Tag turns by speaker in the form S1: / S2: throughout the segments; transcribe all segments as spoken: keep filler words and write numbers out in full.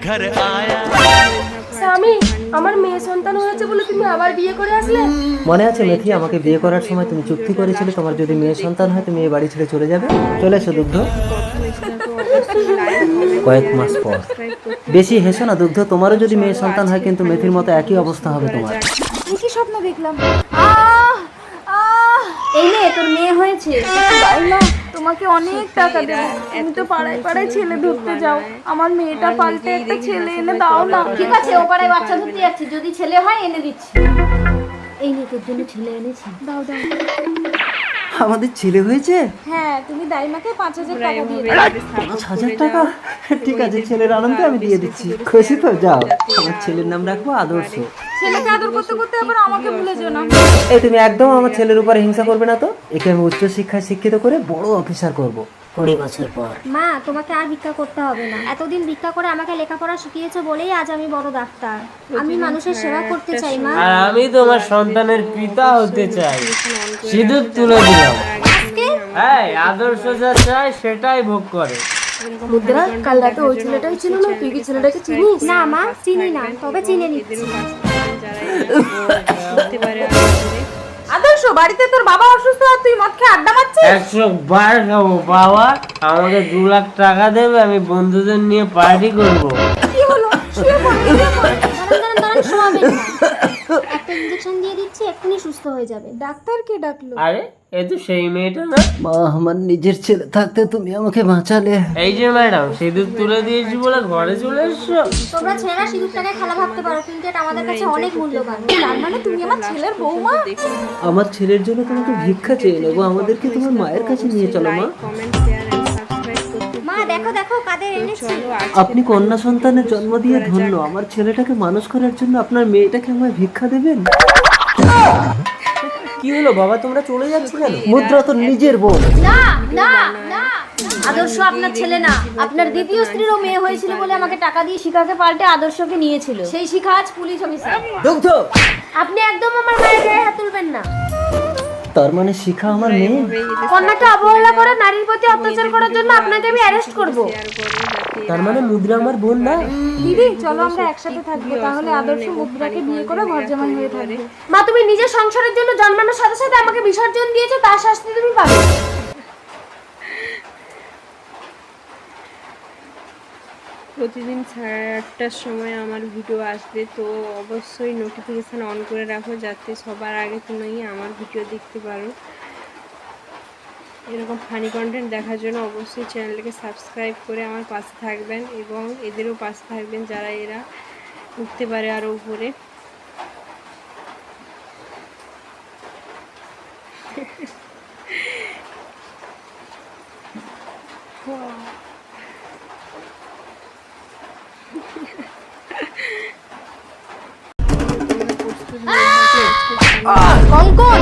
S1: घर आया।
S2: স্বামী, আমার মেয়ে সন্তান হয়েছে বলে তুমি আবার বিয়ে করে আসলে?
S3: মনে আছে মেথি, আমাকে বিয়ে করার সময় তুমি চুক্তি করেছিলে তোমার যদি মেয়ে সন্তান হয় তুমি এই বাড়ি ছেড়ে চলে যাবে। চলে এসো দুগ্ধ। কয়েক মাস পর। বেশি হেসো না দুগ্ধ, তোমারও যদি মেয়ে সন্তান হয় কিন্তু মেথির মতো একই অবস্থা হবে তোমার।
S2: কি স্বপ্ন দেখলাম? আহ আহ এই নে তোর মেয়ে হয়েছে। তাই না, তোমাকে অনেক টাকা দেবো। তুমি তো পাড়ায় পাড়ায় ছেলে ধরতে যাও, আমার মেয়েটা পাল্টে একটা ছেলে এনে দাও না।
S4: ঠিক আছে, ও পাড়ায় বাচ্চা ধরতে যাচ্ছি, যদি ছেলে হয় এনে দিচ্ছি। এই নে তোর জন্য ছেলে এনেছি।
S2: দাও দাও।
S3: আমাদের ছেলে হয়েছে?
S2: হ্যাঁ, তুমি দাইমাকে পাঁচ হাজার টাকা দিয়ে
S3: পাঁচ হাজার টাকা? ঠিক আছে, ছেলের আনন্দে আমি দিয়ে দিচ্ছি। খুশি তো? যাও, আমার ছেলের নাম রাখবো আদর্শ।
S2: ছেলেকে আদর করতে করতে আবার আমাকে ভুলে যেও না।
S3: এই তুমি একদম আমার ছেলের উপর হিংসা করবে না তো। একে আমি উচ্চ শিক্ষায় শিক্ষিত করে বড় অফিসার করব কুড়ি বছর পর।
S4: মা, তোমাকে আর ভিক্ষা করতে হবে না। এতদিন ভিক্ষা করে আমাকে লেখাপড়া শিখিয়েছো বলেই আজ আমি বড় ডাক্তার। আমি মানুষের সেবা করতে চাই মা।
S5: আর আমি তোমার সন্তানের পিতা হতে চাই। সিঁদুর তুলে দিলাম। হ্যাঁ, আদর্শ যা চায় সেটাই ভোগ করে।
S2: মুদ্রা, কাল রাতে ওই ছেলেটাই ছিল না? তুই কি ছেলেটাকে চিনিস?
S4: না মা, চিনি না, তবে চিনে নিচ্ছি।
S2: আদর্শ, বাড়িতে তোর বাবা অসুস্থ আর তুই মদ খেয়ে আড্ডা মারছিস?
S5: একশো বার খাবো বাবা। আমাকে দু লাখ টাকা দেবে, আমি বন্ধুদের নিয়ে পার্টি করবো।
S2: কি হলো? শুয়ে পড়, শুয়ে পড়।
S4: দাঁড়ান দাঁড়ান দাঁড়ান, শোয়াবেন না। একটা ইঞ্জেকশন দিয়ে দিচ্ছি, এক্ষুনি সুস্থ হয়ে যাবে।
S2: ডাক্তারকে ডাকলো।
S5: আরে এ তো সেই মেয়েটা না?
S3: মা, আমার নিজের ছেলে থাকতে তুমি আমাকে বাঁচালে।
S5: এই যে ম্যাডাম, সিঁদুর তুলে দিয়েছি বলে ঘরে চলে এসছো।
S4: তোমরা ছেলেরা সিঁদুরটাকে খেলা ভাবতে পারো, কিন্তু এটা আমাদের কাছে অনেক মূল্যবান।
S2: তার মানে তুমি আমার ছেলের বৌমা?
S3: আমার ছেলের জন্য তোমাকে ভিক্ষা চেয়ে নেবো। আমাদেরকে তোমার মায়ের কাছে নিয়ে চলো মা।
S4: মা দেখো দেখো কাদের এনেছি।
S3: আপনি কন্যা সন্তানের জন্ম দিয়ে ধন্য। আমার ছেলেটাকে মানুষ করার জন্য আপনার মেয়েটাকে আমায় ভিক্ষা দেবেন?
S5: কি হলো বাবা, তোমরা চলে যাচ্ছ কেন?
S3: মুদ্রা তো নিজের বোন।
S4: না না না, আদর্শ আপনার ছেলে না। আপনার দ্বিতীয় স্ত্রীরও মেয়ে হয়েছিল বলে আমাকে টাকা দিয়ে শিখাকে পাল্টে আদর্শকে নিয়েছিল। সেই শিখা আজ পুলিশ অফিসার।
S3: দুগ্ধ,
S4: আপনি একদম আমার মায়ের গায়ে হাত তুলবেন না।
S3: তার মানে শিখা আমার মেয়ে?
S4: কন্যাকে অবহেলা করে নারীর প্রতি অত্যাচার করার জন্য আপনাকে আমি অ্যারেস্ট করব।
S5: তার মানে মুদ্রা আমার বোন না?
S2: দিদি, চলো আমরা একসাথে থাকবো, তাহলে আদর্শ মুদ্রাকে বিয়ে করে ঘর জামাই হয়ে থাকবে।
S4: মা, তুমি নিজের সংসারের জন্য জন্মানোর সাথে সাথে আমাকে বিসর্জন দিয়েছো, তার শাস্তি তুমি পাবে।
S6: প্রতিদিন সাড়ে আটটার সময় আমার ভিডিও আসবে, তো অবশ্যই নোটিফিকেশান অন করে রাখো যাতে সবার আগে তুমি আমার ভিডিও দেখতে পারো। এরকম ফানি কন্টেন্ট দেখার জন্য অবশ্যই চ্যানেলটাকে সাবস্ক্রাইব করে আমার পাশে থাকবেন এবং এদেরও পাশে থাকবেন যারা এরা উঠতে পারে আরও উপরে।
S4: কঙ্কন,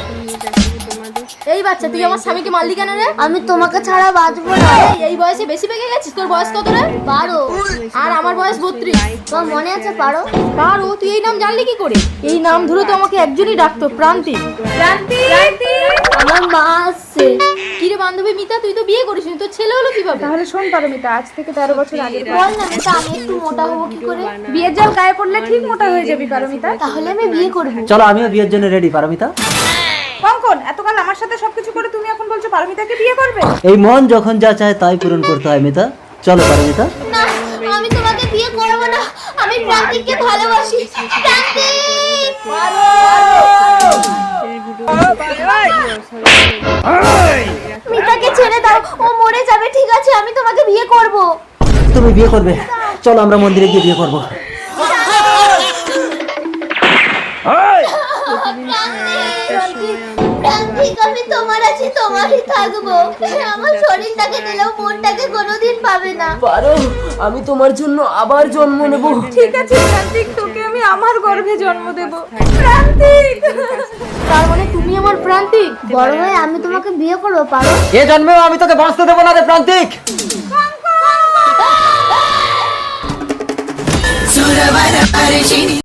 S4: এই বাচ্চা, তুই আমার স্বামীকে মারলি কেন রে? আমি তোমাকে ছাড়া বাঁচবো না। এই বয়সে বেশি পেকে গেছিস। তোর বয়স কত রে? বারো।
S2: আর আমার বয়স বত্রিশ।
S4: তোর মনে আছে পারো?
S2: বারো? তুই এই নাম জানলি কি করে? এই নাম ধরে তো আমাকে একজনই ডাকতো, প্রান্তিক। প্রান্তিক,
S4: আমার মা আসছে।
S2: কি রে বান্ধবী মিতা, তুই তো বিয়ে করিসনি, তোর ছেলে হলো কিভাবে? তাহলে শোন পারমিতা, আজ থেকে তেরো বছর আগে
S4: বল না মিতা, আমি একটু মোটা হবো কি করে?
S2: বিয়ের জাল গায়ে পড়লে ঠিক মোটা হয়ে যাবি পারমিতা।
S4: তাহলে আমি বিয়ে করবো।
S3: চলো, আমিও বিয়ের জন্য রেডি। পারমিতা,
S2: কঙ্কন, এতকাল আমার সাথে সবকিছু করে তুমি এখন বলছো পারমিতাকে বিয়ে করবে?
S3: এই মন যখন যা চায় তাই পূরণ করতে হয় মিতা। চলো পারমিতা।
S4: না, আমি তোমাকে বিয়ে করবো না। আমি প্রান্তিককে ভালোবাসি। প্রান্তিক, মিতাকে ছেড়ে দাও, ও মরে যাবে। ঠিক আছে, আমি তোমাকে বিয়ে করব।
S3: তুমি বিয়ে করবে? চলো আমরা মন্দিরে গিয়ে বিয়ে করবো।
S4: প্রান্তিক, আমি তোমার আছি, তোমারই থাকবো। আমার শরীরটাকে দিলেও মনটাকে কোনোদিন পাবে না।
S5: পারো, আমি তোমার জন্য আবার জন্ম নেব।
S2: ঠিক আছে প্রান্তিক, তোকে আমি আমার গর্ভে জন্ম দেব। প্রান্তিক, তার মানে তুমি আমার প্রান্তিক?
S4: বড় হয়ে আমি তোমাকে বিয়ে করবো, পারো?
S3: এ জন্মেও আমি তোকে বাঁচতে দেবো না রে প্রান্তিক।